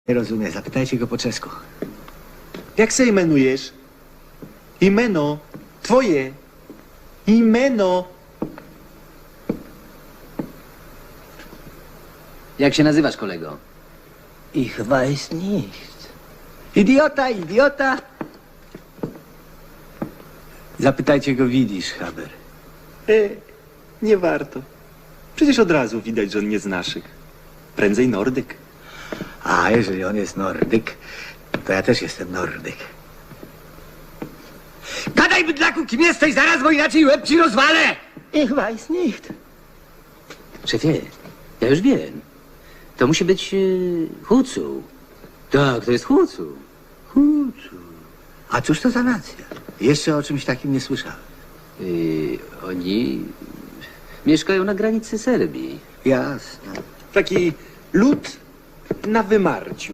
Nie rozumie, zapytajcie go po czesku. Jak se imenujesz? Imeno. Twoje. Imeno. Jak się nazywasz, kolego? Ich weiß nicht. Idiota, idiota! Zapytajcie go, widzisz, Haber. Nie warto. Przecież od razu widać, że on nie z naszych. Prędzej Nordyk. A jeżeli on jest Nordyk, to ja też jestem Nordyk. Gadaj, bydlaku, kim jesteś zaraz, bo inaczej łeb ci rozwalę! Ich weiß nicht. Szefie, ja już wiem. To musi być Hucu. Tak, to jest Hucu. Hucu. A cóż to za nacja? Jeszcze o czymś takim nie słyszałem. Oni mieszkają na granicy Serbii. Jasne. Taki lud na wymarciu.